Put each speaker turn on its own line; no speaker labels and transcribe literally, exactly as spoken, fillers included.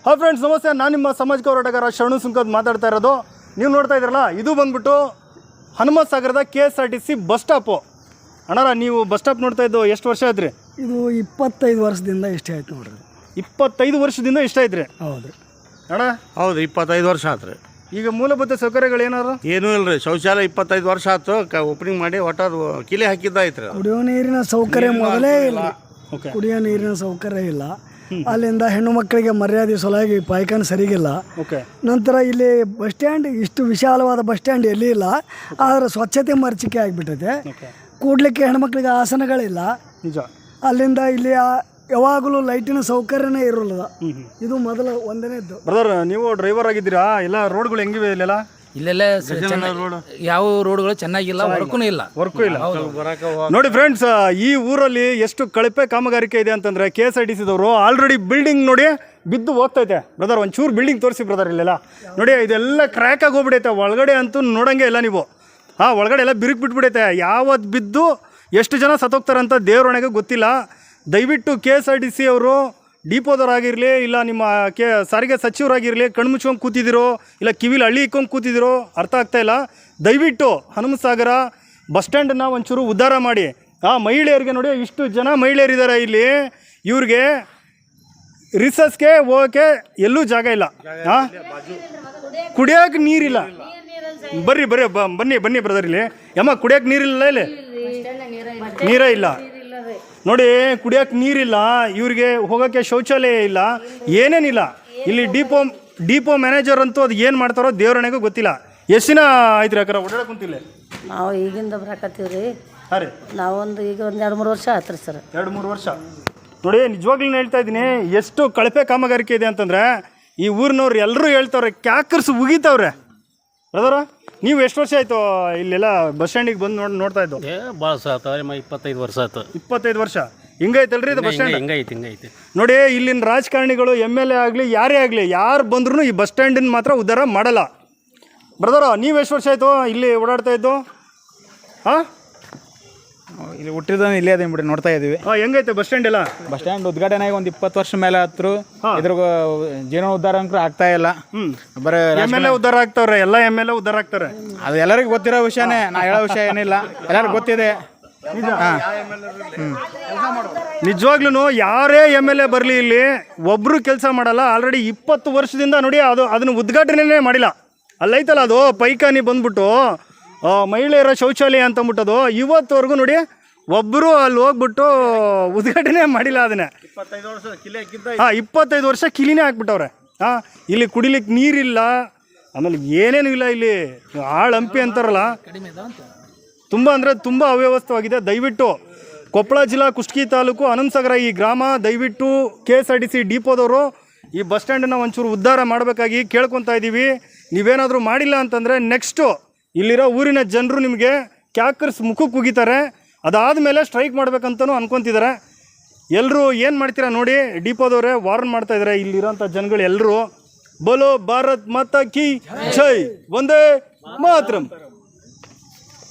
Hi friends, ನಮಸ್ತೆ. ನಾನು ನಿಮ್ಮ ಸಾಮಾಜಿಕ ಹೋರಾಟಗಾರ ಶರಣು ಸುಂಕದ್ ಮಾತಾಡ್ತಾ ಇರೋದು. ನೀವು ನೋಡ್ತಾ ಇದ್ದೀರಲ್ಲ, ಇದು ಬಂದ್ಬಿಟ್ಟು ಹನುಮತ್ ಸಾಗರದ K S R T C bus stop. ಅಣ್ಣಾರ, ನೀವು ಬಸ್ ಸ್ಟಾಪ್ ನೋಡ್ತಾ ಇದ್ದು ಎಷ್ಟು ವರ್ಷ ಆಯ್ತು ರೀ?
ಇದು ಇಪ್ಪತ್ತೈದು ವರ್ಷದಿಂದ ಇಷ್ಟೇ ಆಯ್ತು ನೋಡ್ರಿ.
ಇಪ್ಪತ್ತೈದು ವರ್ಷದಿಂದ ಇಷ್ಟ ಆಯ್ತು ರೀ?
ಹೌದು
ಅಣ್ಣ,
ಹೌದು, ಇಪ್ಪತ್ತೈದು ವರ್ಷ ಆತು ರೀ.
ಈಗ ಮೂಲಭೂತ ಸೌಕರ್ಯಗಳು ಏನಾರು?
ಏನೂ ಇಲ್ಲ ರೀ. ಶೌಚಾಲಯ ಇಪ್ಪತ್ತೈದು ವರ್ಷ ಆಯ್ತು, ಕ ಓಪನಿಂಗ್ ಮಾಡಿ ಒಟ್ಟು ಕಿಲೆ ಹಾಕಿದ್ದಾಯ್ತು ರೀ.
ಕುಡಿಯೋ ನೀರಿನ ಸೌಕರ್ಯ ಮೊದಲೇ ಇಲ್ಲ.
ಓಕೆ.
ಕುಡಿಯೋ ನೀರಿನ ಸೌಕರ್ಯ ಇಲ್ಲ. ಅಲ್ಲಿಂದ ಹೆಣ್ಣು ಮಕ್ಕಳಿಗೆ ಮರ್ಯಾದೆ ಸಲುವಾಗಿ ಪಾಯ್ಖಾನೆ ಸರಿಗಿಲ್ಲ.
ಓಕೆ.
ನಂತರ ಇಲ್ಲಿ ಬಸ್ ಸ್ಟ್ಯಾಂಡ್, ಇಷ್ಟು ವಿಶಾಲವಾದ ಬಸ್ ಸ್ಟ್ಯಾಂಡ್ ಎಲ್ಲಿ ಇಲ್ಲ. ಆದರೆ ಸ್ವಚ್ಛತೆ ಮರೀಚಿಕೆ ಆಗಿಬಿಟ್ಟೈತೆ. ಕೂಡ್ಲಿಕ್ಕೆ ಹೆಣ್ಮಕ್ಳಿಗೆ ಆಸನಗಳಿಲ್ಲ.
ನಿಜ.
ಅಲ್ಲಿಂದ ಇಲ್ಲಿ ಯಾವಾಗಲೂ ಲೈಟಿನ ಸೌಕರ್ಯನೇ ಇರೋಲ್ಲ. ಇದು ಮೊದಲ ಒಂದನೇದ್ದು.
ಬ್ರದರ್, ನೀವು ಡ್ರೈವರ್ ಆಗಿದ್ದೀರಾ? ಎಲ್ಲ ರೋಡ್ಗಳು ಹೆಂಗಿವೆ ಇಲ್ಲೆಲ್ಲ?
ಇಲ್ಲೆಲ್ಲ ಯಾವ ರೋಡ್ಗಳು ಚೆನ್ನಾಗಿಲ್ಲ, ವರ್ಕೂ ಇಲ್ಲ
ವರ್ಕು ಇಲ್ಲ. ನೋಡಿ ಫ್ರೆಂಡ್ಸ್, ಈ ಊರಲ್ಲಿ ಎಷ್ಟು ಕಳಪೆ ಕಾಮಗಾರಿಕೆ ಇದೆ ಅಂತಂದ್ರೆ, ಕೆ ಎಸ್ ಆರ್ ಟಿ ಸಿದವರು ಆಲ್ರೆಡಿ ಬಿಲ್ಡಿಂಗ್ ನೋಡಿ ಬಿದ್ದು ಹೋಗ್ತೈತೆ. ಬ್ರದರ್, ಒಂಚೂರು ಬಿಲ್ಡಿಂಗ್ ತೋರಿಸಿ ಬ್ರದರ್. ಇಲ್ಲೆಲ್ಲ ನೋಡಿ, ಇದೆಲ್ಲ ಕ್ರ್ಯಾಕ್ ಆಗಿ ಹೋಗ್ಬಿಡೈತೆ. ಒಳಗಡೆ ಅಂತೂ ನೋಡಂಗೆ ಇಲ್ಲ ನೀವು. ಹಾಂ, ಒಳಗಡೆ ಎಲ್ಲ ಬಿರುಕು ಬಿಟ್ಬಿಡೈತೆ. ಯಾವತ್ತು ಬಿದ್ದು ಎಷ್ಟು ಜನ ಸತ್ತೋಗ್ತಾರಂತ ದೇವ್ರೊಣಗೆ ಗೊತ್ತಿಲ್ಲ. ದಯವಿಟ್ಟು K S R T C ಅವರು ಡಿಪೋದವರಾಗಿರಲಿ, ಇಲ್ಲ ನಿಮ್ಮ ಕೆ ಸಾರಿಗೆ ಸಚಿವರಾಗಿರಲಿ, ಕಣ್ಮುಚ್ಕೊಂಡು ಕೂತಿದ್ದೀರೋ ಇಲ್ಲ ಕಿವಿಲಿ ಹಳ್ಳಿ ಇಕ್ಕೊಂಡು ಕೂತಿದ್ದೀರೋ ಅರ್ಥ ಆಗ್ತಾಯಿಲ್ಲ. ದಯವಿಟ್ಟು ಹನುಮತ್ ಸಾಗರ ಬಸ್ ಸ್ಟ್ಯಾಂಡನ್ನು ಒಂಚೂರು ಉದ್ಧಾರ ಮಾಡಿ. ಆ ಮಹಿಳೆಯರಿಗೆ ನೋಡಿ, ಇಷ್ಟು ಜನ ಮಹಿಳೆಯರಿದ್ದಾರೆ ಇಲ್ಲಿ. ಇವ್ರಿಗೆ ರಿಸಸ್ಗೆ ಹೋಗೋಕ್ಕೆ ಎಲ್ಲೂ ಜಾಗ ಇಲ್ಲ. ಹಾಂ, ಕುಡಿಯೋಕೆ ನೀರಿಲ್ಲ. ಬರ್ರಿ ಬರ್ರಿ ಬನ್ನಿ ಬನ್ನಿ ಬ್ರದರ್. ಇಲ್ಲಿ ಯಮ್ಮ ಕುಡಿಯೋಕೆ ನೀರಿಲ್ಲ. ಇಲ್ಲಿ ನೀರೇ ಇಲ್ಲ ನೋಡಿ, ಕುಡಿಯೋಕೆ ನೀರಿಲ್ಲ. ಇವ್ರಿಗೆ ಹೋಗೋಕ್ಕೆ ಶೌಚಾಲಯ ಇಲ್ಲ, ಏನೇನಿಲ್ಲ. ಇಲ್ಲಿ ಡಿಪೋ ಡಿಪೋ ಮ್ಯಾನೇಜರ್ ಅಂತೂ ಅದು ಏನು ಮಾಡ್ತಾರೋ ದೇವ್ರಣೆಗೂ ಗೊತ್ತಿಲ್ಲ. ಎಷ್ಟು ದಿನ ಆಯ್ತು ರೀ ಅಕ್ಕಾರ ಓಡಾಡಕ್ಕೆ ಕುಂತಿಲ್ಲ?
ನಾವು ಈಗಿಂದ ಬರಾಕತ್ತೀವಿ ರೀ.
ಹಾಂ ರೀ,
ನಾವೊಂದು ಈಗ ಒಂದು ಎರಡು ಮೂರು ವರ್ಷ ಆಯ್ತು ರೀ ಸರ್.
ಎರಡು ಮೂರು ವರ್ಷ ನೋಡಿ. ನಿಜವಾಗ್ಲೂ ಹೇಳ್ತಾ ಇದ್ದೀನಿ, ಎಷ್ಟು ಕಳಪೆ ಕಾಮಗಾರಿಕೆ ಇದೆ ಅಂತಂದರೆ ಈ ಊರಿನವ್ರು ಎಲ್ಲರೂ ಹೇಳ್ತಾವ್ರೆ, ಕ್ಯಾಕರ್ಸ್ ಉಗಿತಾವ್ರೆ. ಬ್ರದರ, ನೀವು ಎಷ್ಟು ವರ್ಷ ಆಯಿತು ಇಲ್ಲೆಲ್ಲ ಬಸ್ ಸ್ಟ್ಯಾಂಡಿಗೆ ಬಂದು ನೋಡಿ ನೋಡ್ತಾ ಇದ್ದು?
ಏ ಭಾಳ ಸಾತ ಇಪ್ಪತ್ತೈದು ವರ್ಷ ಆಯ್ತು.
ಇಪ್ಪತ್ತೈದು ವರ್ಷ ಹಿಂಗೈತಲ್ರಿ ಇದು ಬಸ್ ಸ್ಟ್ಯಾಂಡ್?
ಹಿಂಗೈತಿ ಹಿಂಗೈತಿ
ನೋಡಿ, ಇಲ್ಲಿನ ರಾಜಕಾರಣಿಗಳು ಎಮ್ ಎಲ್ ಎ ಆಗಲಿ ಯಾರೇ ಆಗಲಿ, ಯಾರು ಬಂದ್ರೂ ಈ ಬಸ್ ಸ್ಟ್ಯಾಂಡಿನ ಮಾತ್ರ ಉದ್ಧಾರ ಮಾಡಲ್ಲ. ಬ್ರದರ, ನೀವು ಎಷ್ಟು ವರ್ಷ ಆಯಿತು ಇಲ್ಲಿ ಓಡಾಡ್ತಾ ಇದ್ದು? ಹಾಂ,
ಇಲ್ಲಿ ಹುಟ್ಟಿದ ಇಲ್ಲೇ ಅದೇ ಬಿಡಿ ನೋಡ್ತಾ ಇದೀವಿ.
ಹಾಂ, ಹೆಂಗೈತೆ ಬಸ್ ಸ್ಟ್ಯಾಂಡ್ ಎಲ್ಲ?
ಬಸ್ ಸ್ಟ್ಯಾಂಡ್ ಉದ್ಘಾಟನೆ ಆಗಿ ಒಂದು ಇಪ್ಪತ್ತು ವರ್ಷ ಮೇಲೆ ಹತ್ರ ಇದ್ರ ಜೀವನ ಉದ್ಧಾರ ಅಂಕರು ಆಗ್ತಾ ಇಲ್ಲ. ಬರೀ
ಎಮ್ ಎಲ್ ಎ ಉದ್ಧಾರ ಆಗ್ತಾವ್ರೆ, ಎಲ್ಲ ಎಮ್ ಎಲ್ ಎ ಉದ್ಧಾರ ಆಗ್ತಾರೆ.
ಅದು ಎಲ್ಲರಿಗೂ ಗೊತ್ತಿರೋ ವಿಷಯನೇ, ನಾ ಹೇಳೋ ವಿಷಯ ಏನಿಲ್ಲ, ಎಲ್ಲರಿಗೂ ಗೊತ್ತಿದೆ.
ನಿಜವಾಗ್ಲೂ ಯಾರೇ ಎಮ್ ಎಲ್ ಎ ಬರಲಿ, ಇಲ್ಲಿ ಒಬ್ಬರು ಕೆಲಸ ಮಾಡಲ್ಲ. ಆಲ್ರೆಡಿ ಇಪ್ಪತ್ತು ವರ್ಷದಿಂದ ನೋಡಿ, ಅದು ಅದನ್ನು ಉದ್ಘಾಟನೆ ಮಾಡಿಲ್ಲ. ಅಲ್ಲೈತಲ್ಲ ಅದು ಪೈಖಾನಿ ಬಂದ್ಬಿಟ್ಟು ಮಹಿಳೆಯರ ಶೌಚಾಲಯ ಅಂತ ಅಂದ್ಬಿಟ್ಟದು, ಇವತ್ತುವರೆಗೂ ನೋಡಿ ಒಬ್ಬರು ಅಲ್ಲಿ ಹೋಗ್ಬಿಟ್ಟು ಉದ್ಘಾಟನೆ ಮಾಡಿಲ್ಲ ಅದನ್ನೇ.
ಇಪ್ಪತ್ತೈದು ವರ್ಷ ಕಿಲೆ ಹಾಕಿದ್ದ.
ಹಾಂ, ಇಪ್ಪತ್ತೈದು ವರ್ಷ ಕಿಲಿನೇ ಹಾಕ್ಬಿಟ್ಟವ್ರೆ. ಹಾಂ, ಇಲ್ಲಿ ಕುಡಿಲಿಕ್ಕೆ ನೀರಿಲ್ಲ, ಆಮೇಲೆ ಏನೇನು ಇಲ್ಲ. ಇಲ್ಲಿ ಆಳು ಹಂಪಿ ಅಂತಾರಲ್ಲ, ತುಂಬ ಅಂದರೆ ತುಂಬ ಅವ್ಯವಸ್ಥವಾಗಿದೆ. ದಯವಿಟ್ಟು ಕೊಪ್ಪಳ ಜಿಲ್ಲಾ ಕುಷ್ಟಗಿ ತಾಲೂಕು ಹನುಮತ್ ಸಾಗರ ಈ ಗ್ರಾಮ, ದಯವಿಟ್ಟು K S R T C ಡಿಪೋದವರು ಈ ಬಸ್ ಸ್ಟ್ಯಾಂಡನ್ನು ಒಂಚೂರು ಉದ್ಧಾರ ಮಾಡಬೇಕಾಗಿ ಕೇಳ್ಕೊತಾ ಇದ್ದೀವಿ. ನೀವೇನಾದರೂ ಮಾಡಿಲ್ಲ ಅಂತಂದರೆ ನೆಕ್ಸ್ಟು ಇಲ್ಲಿರೋ ಊರಿನ ಜನರು ನಿಮಗೆ ಕ್ಯಾಕರ್ಸ್ ಮುಖಕ್ಕೆ ಕುಗಿತಾರೆ. ಅದಾದಮೇಲೆ ಸ್ಟ್ರೈಕ್ ಮಾಡ್ಬೇಕಂತನೂ ಅನ್ಕೊತಿದ್ದಾರೆ. ಎಲ್ಲರೂ ಏನು ಮಾಡ್ತೀರಾ ನೋಡಿ, ಡಿಪೋದವರೇ ವಾರ್ನ್ ಮಾಡ್ತಾ ಇದ್ದಾರೆ ಇಲ್ಲಿರೋಂಥ ಜನಗಳು ಎಲ್ಲರೂ. ಬೋಲೋ ಭಾರತ್ ಮಾತಾ ಕಿ ಜೈ, ವಂದೇ ಮಾತರಂ.